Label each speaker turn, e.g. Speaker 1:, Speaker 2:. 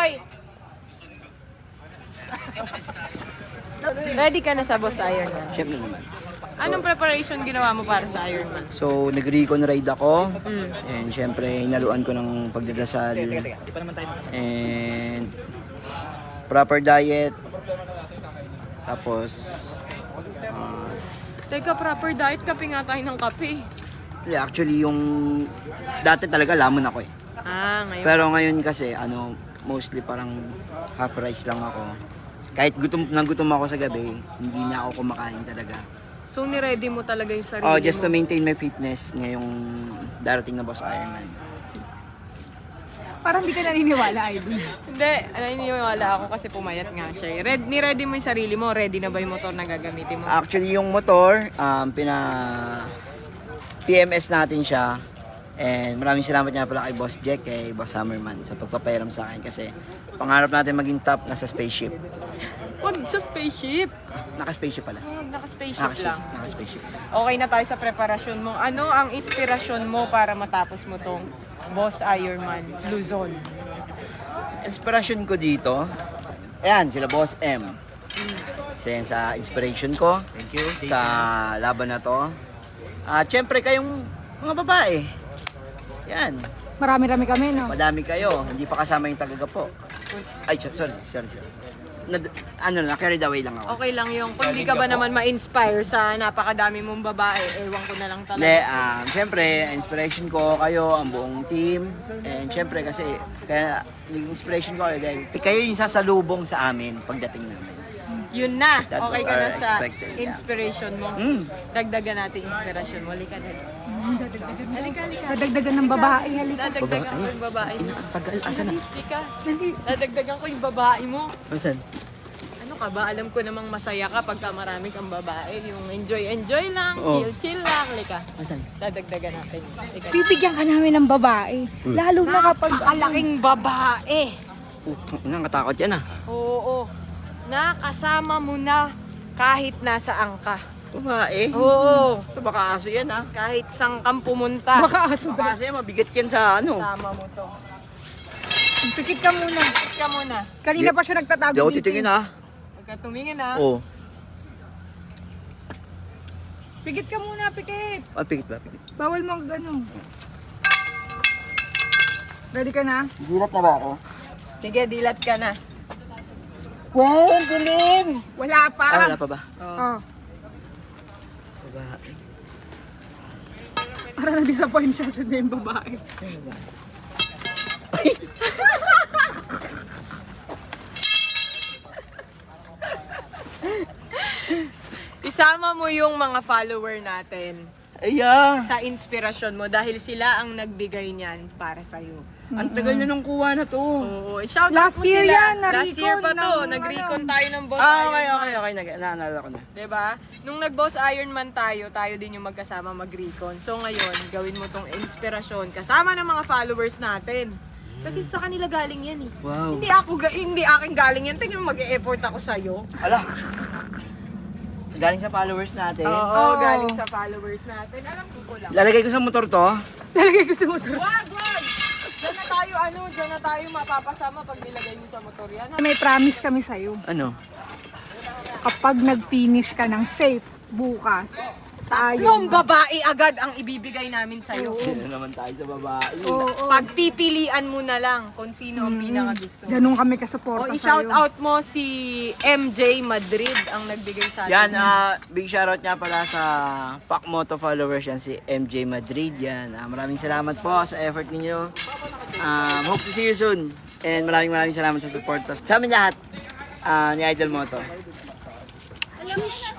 Speaker 1: Hoy! Ready ka na sa Boss Ironman?
Speaker 2: Siyempre naman.
Speaker 1: Anong preparation ginawa mo para sa Ironman?
Speaker 2: So, nag-recon ride ako. And syempre, hinaluan ko ng pagdadasal. And proper diet. Tapos,
Speaker 1: Teka, proper diet, kape nga tayo ng kape.
Speaker 2: actually yung dati talaga lamon ako eh.
Speaker 1: Ngayon.
Speaker 2: Pero ngayon kasi, mostly parang half rice lang ako. Kahit gutom ako sa gabi, hindi na ako kumakain talaga.
Speaker 1: So, ni-ready mo talaga yung sarili
Speaker 2: Oh, just
Speaker 1: mo?
Speaker 2: to maintain my fitness ngayong darating na Boss Ironman.
Speaker 3: Parang hindi ka naniniwala, Idol.
Speaker 1: Hindi, naniniwala ako kasi pumayat nga siya. Ni-ready mo yung sarili mo? Ready na ba yung motor na gagamitin mo?
Speaker 2: Actually, yung motor, PMS natin siya. And maraming salamat nga pala kay Boss Jack, kay Boss Hammerman sa pagpapairam sa akin kasi pangarap natin maging top nasa spaceship.
Speaker 1: Huwag sa spaceship.
Speaker 2: Naka-spaceship pala.
Speaker 1: Naka-spaceship lang.
Speaker 2: Naka-spaceship.
Speaker 1: Okay na tayo sa preparasyon mo. Ano ang inspirasyon mo para matapos mo tong Boss Ironman Luzon?
Speaker 2: Inspiration ko dito, ayan, sila Boss M. Kasi sa inspiration ko, sa laban na to. At syempre kayong mga babae. Yan,
Speaker 3: Marami-rami kami, no?
Speaker 2: madami kayo, hindi pa kasama yung tagagapo. Ay, sorry. Carried away lang ako.
Speaker 1: Okay lang yung kung hindi ka ba naman ma-inspire sa napakadami mong babae, ewan ko na lang talaga.
Speaker 2: Hindi, syempre, inspiration ko kayo, ang buong team. And syempre kasi, kaya yung inspiration ko kayo dahil kayo yung sasalubong sa amin pagdating namin.
Speaker 1: Yun na.
Speaker 2: That
Speaker 1: Okay
Speaker 2: was
Speaker 1: ka na
Speaker 2: our
Speaker 1: sa
Speaker 2: expected, yeah.
Speaker 1: inspiration mo. Dagdagan natin inspiration mo. Halika na. Halika.
Speaker 3: Dadagdagan ng babae, halika.
Speaker 1: Dadagdagan ko yung babae mo.
Speaker 2: Tagal, asan na?
Speaker 1: Halika. Dadagdagan ko yung babae mo.
Speaker 2: Asan?
Speaker 1: Ano ka ba? Alam ko namang masaya ka pagka marami kang babae. Yung enjoy lang,
Speaker 2: Oo.
Speaker 1: chill lang. Halika.
Speaker 2: Asan?
Speaker 1: Dadagdagan natin. Halika.
Speaker 3: Bibigyan ka namin ng babae. Lalo na kapag...
Speaker 1: Napakalaking babae.
Speaker 2: Nakatakot yan ah.
Speaker 1: Oo. Nakasama mo na kahit nasaan ka.
Speaker 2: Babae?
Speaker 1: Oo.
Speaker 2: Ito baka aso yan ah.
Speaker 1: Kahit saan kang pumunta.
Speaker 3: Baka aso.
Speaker 2: Baka aso yan, mabigat yan sa
Speaker 1: Sama mo to.
Speaker 3: Pikit ka muna.
Speaker 1: Sit ka muna.
Speaker 3: Kanina pa siya nagtatago
Speaker 2: Di ako
Speaker 3: dito.
Speaker 2: titingin ah.
Speaker 1: Huwag ka tumingin ha.
Speaker 2: Oo.
Speaker 3: Pikit ka muna, pikit.
Speaker 2: Pikit ba? Pikit.
Speaker 3: Bawal mo gano'n. Ready ka na?
Speaker 2: Dilat na ba ako?
Speaker 1: Sige, dilat ka na.
Speaker 2: Wow, ang dilim!
Speaker 3: Wala pa.
Speaker 2: Wala pa ba?
Speaker 3: Oh.
Speaker 2: Babae.
Speaker 3: Parang na-disappoint siya sa yung babae.
Speaker 1: Isama mo yung mga follower natin
Speaker 2: Aya!
Speaker 1: sa inspirasyon mo dahil sila ang nagbigay niyan para sa'yo.
Speaker 2: Ang tagal na nung kuha na to.
Speaker 1: Oo, shout
Speaker 3: Last
Speaker 1: out mo
Speaker 3: year
Speaker 1: sila.
Speaker 3: yan,
Speaker 1: Last year pa
Speaker 3: na-recon
Speaker 1: to.
Speaker 3: ng
Speaker 1: Nag-recon tayo ng Boss
Speaker 2: Okay.
Speaker 1: Ironman.
Speaker 2: Naalala ko na.
Speaker 1: Diba? Nung nag-Boss Ironman tayo din yung magkasama mag-recon. So ngayon, gawin mo tong inspirasyon kasama ng mga followers natin. Kasi sa kanila galing yan eh.
Speaker 2: Wow.
Speaker 1: Hindi akin galing yan. Tingnan mo, mag-e-effort ako sa'yo.
Speaker 2: Ala! Galing sa followers natin.
Speaker 1: Oo, galing sa followers natin. Alam ko lang.
Speaker 2: Lalagay ko sa motor to.
Speaker 3: Lalagay ko sa motor.
Speaker 1: Wag! Diyan na tayo mapapasama pag nilagay mo sa motor yan.
Speaker 3: May promise kami sa'yo.
Speaker 2: Ano?
Speaker 3: Kapag nag-finish ka ng safe bukas,
Speaker 1: Yung babae agad ang ibibigay namin sa'yo.
Speaker 2: Dito naman tayo sa babae.
Speaker 1: Pagpipilian mo na lang kung sino ang pinakagusto.
Speaker 3: Ganun kami kasuporta
Speaker 1: O,
Speaker 3: sa'yo.
Speaker 1: i-shout out mo si MJ Madrid ang nagbigay sa atin.
Speaker 2: Yan, big shoutout nga pala sa Pac Moto followers yan, si MJ Madrid yan. Maraming salamat po sa effort ninyo. Hope to see you soon. And maraming salamat sa support. Sa amin lahat, ni Idol Moto.
Speaker 1: Alam mo na